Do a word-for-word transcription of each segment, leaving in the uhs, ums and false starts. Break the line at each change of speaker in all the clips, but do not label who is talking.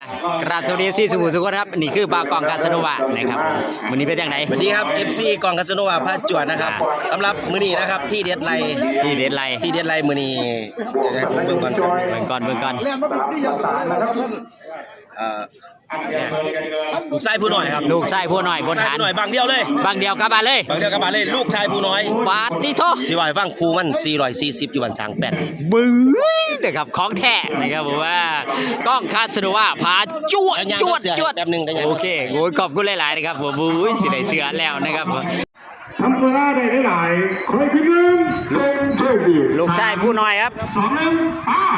กราบสวัสดีที่สุขุมสุขครับนี่คือบากองคาสโนวานะครับวันนี้เป็นอย่างไร
สวัสดีครับ เอฟ ซี กองคาสโนวาพระจวดนะครับสำหรับมื้อนี้นะครับที่เด็ดไล
ที่เด็ดไล
ที่เด็ดไลมื้อนี้เดี๋ยวผมเบิ่งก่อน
เบิ่งก่อนเบิ่งก่อน
เล่นมาเป็นสี่อย่างสารนะครับท่าน
เอ่อเนี่ยลูกชายผู้น้อยครับ
ลูกไส้ผู้น้อยบน
ชาย
ฐาน
ผู้น้อยบางเดียวเลย
บางเดียวกลับมาเลย
บางเดียวกับบาเลยลูกชายผู้น้อย
บาทที่โท
สิว่าให้ฟังครูมันสี่ร้อยสี่สิบอยู่บันสางแปด
บึ้งนะครับของแท้นะครับผมว่ากล้องคาสโนวาพาจวดจวดจวด
แป๊บนึงได้ยัง
โอเคโอ้ยขอบคุณหลายๆนะครับผมอุ้ยสิได้เสือแล้วนะครับ
ทำเวลาได้หลายๆคอยที่หนึ่งเป็นโชคดี
ลูกชายผู้น้อยครับ
สองหนึ่งป้า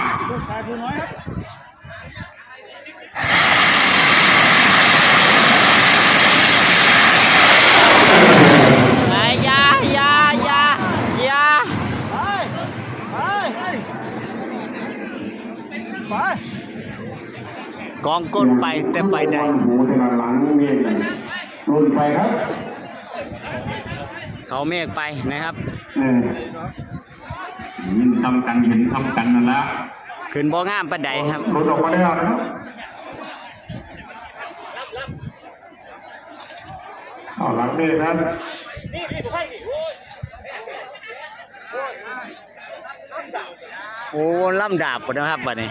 ไอ้ยายายายา
ไปไปไป
กองก้นไปแต่ไปได้
หูแต่ละหลังเมียนรุ่นไปครับ
เขาเมฆไปนะครับ
เออยินทำกันเห็นทำกันนั่นละ
ขึ้นบ่งามปานใดครับ
รถออกมาแล้วนะครับเอาหลังนี่ท่าน
โอ้ล่ำดาบหมดนะครับบัดนี้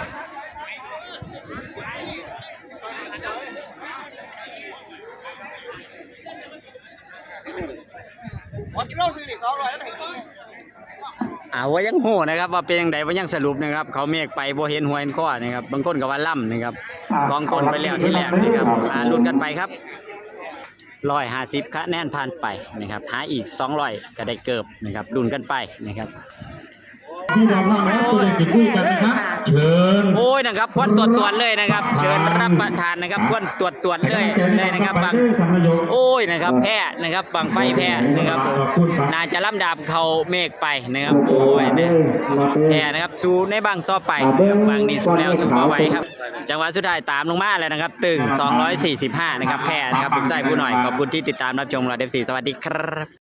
อ่าว่ายังโหนะครับว่าเป็นยังไงว่ายังสรุปนะครับ เขาเมฆไปบ่เห็นหัวเห็นข้อนะครับบางคนก็ว่าล่ำนะครับกองกลไปแล้วที่แรกนะครับอ่าลุ้นกันไปครับร้อยห้าสิบคะแนนผ่านไปนะครับหาอีกสองร้อยก็ได้เกิบนะครับลุ้นกันไปนะครับ
พี่น้องน้องนะตัวเด็กจะคุยกันนะครับเชิญ
โอ้ยนะครับควนตรวจตรวจเลยนะครับ เชิญรับประทานนะครับควนตรวจตรวจเลยเลยนะครับบางโอ้ยนะครับแพ้นะครับบางไฟแพ้นะครับน่าจะล่ำดาบเขาเมฆไปนะครับโอ้ยเนี่ยแพ้นะครับสู้ในบางต่อไปนะครับบางนี้สู้แล้วสู้มาไหวครับจังหวะสุดท้ายตามลงมาเลยนะครับตึงสองร้อยสี่สิบห้านะครับแพ้นะครับผมใจผู้หน่อยขอบคุณที่ติดตามรับชมเราเดฟซีสวัสดีครับ